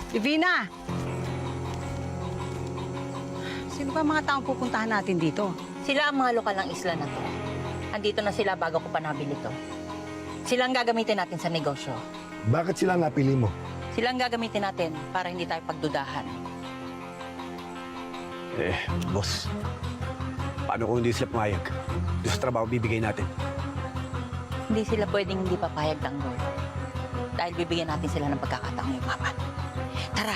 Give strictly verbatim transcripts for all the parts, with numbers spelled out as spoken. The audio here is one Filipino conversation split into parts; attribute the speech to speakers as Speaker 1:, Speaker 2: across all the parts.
Speaker 1: Divina! Sino ba mga taong pupuntahan natin dito?
Speaker 2: Sila ang mga lokal ng isla na to. Andito na sila bago ko pa nabili to. Sila ang gagamitin natin sa negosyo.
Speaker 3: Bakit sila napili mo?
Speaker 2: Sila ang gagamitin natin para hindi tayo pagdudahan.
Speaker 4: Eh, boss. Paano kung hindi sila pumayag? Doon sa trabaho bibigay natin.
Speaker 2: Hindi sila pwedeng hindi papayag ng Lord. Dahil bibigyan natin sila ng pagkakataong yumaman. Tara!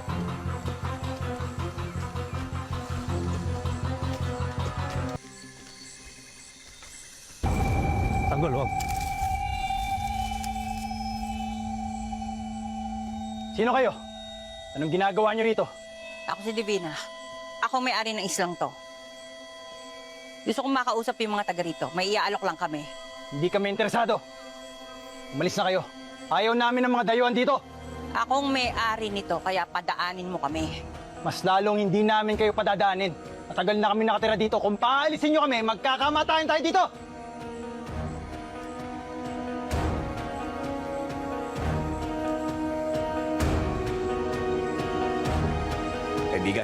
Speaker 4: Tanggol, wag.
Speaker 5: Sino kayo? Anong ginagawa niyo rito?
Speaker 2: Ako si Divina. Ako may-ari ng islang to. Gusto kong makausap yung mga taga rito. May iaalok lang kami.
Speaker 5: Hindi kami interesado. Umalis na kayo. Ayaw namin ng mga dayuhan dito.
Speaker 2: Akong may-ari nito, kaya padaanin mo kami.
Speaker 5: Mas lalong hindi namin kayo padadaanin. Matagal na kami nakatira dito. Kung paalisin nyo kami, magkakamatayan tayo dito!
Speaker 4: Kaibigan.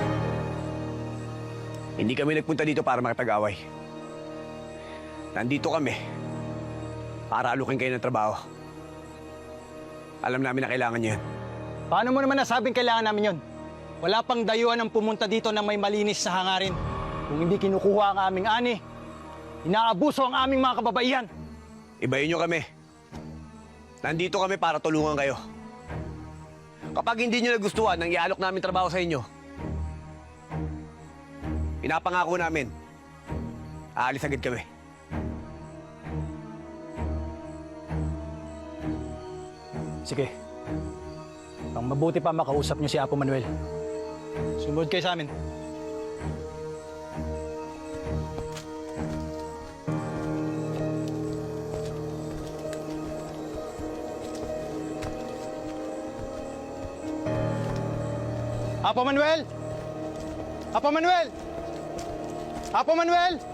Speaker 4: Hindi kami nagpunta dito para makipag-away. Nandito kami para alukin kayo ng trabaho. Alam namin na kailangan niyo yan.
Speaker 5: Paano mo naman nasabing kailangan namin yon? Wala pang dayuhan ang pumunta dito na may malinis sa hangarin. Kung hindi kinukuha ang aming ani, inaabuso ang aming mga kababaihan.
Speaker 4: Ibayin niyo kami. Nandito kami para tulungan kayo. Kapag hindi niyo nagustuhan ng ialok namin trabaho sa inyo, pinapangako namin, aalis agad kami.
Speaker 5: Sige. Ang mabuti pa makausap niyo si Apo Manuel. Sumunod kayo sa amin. Apo Manuel! Apo Manuel! Apo Manuel!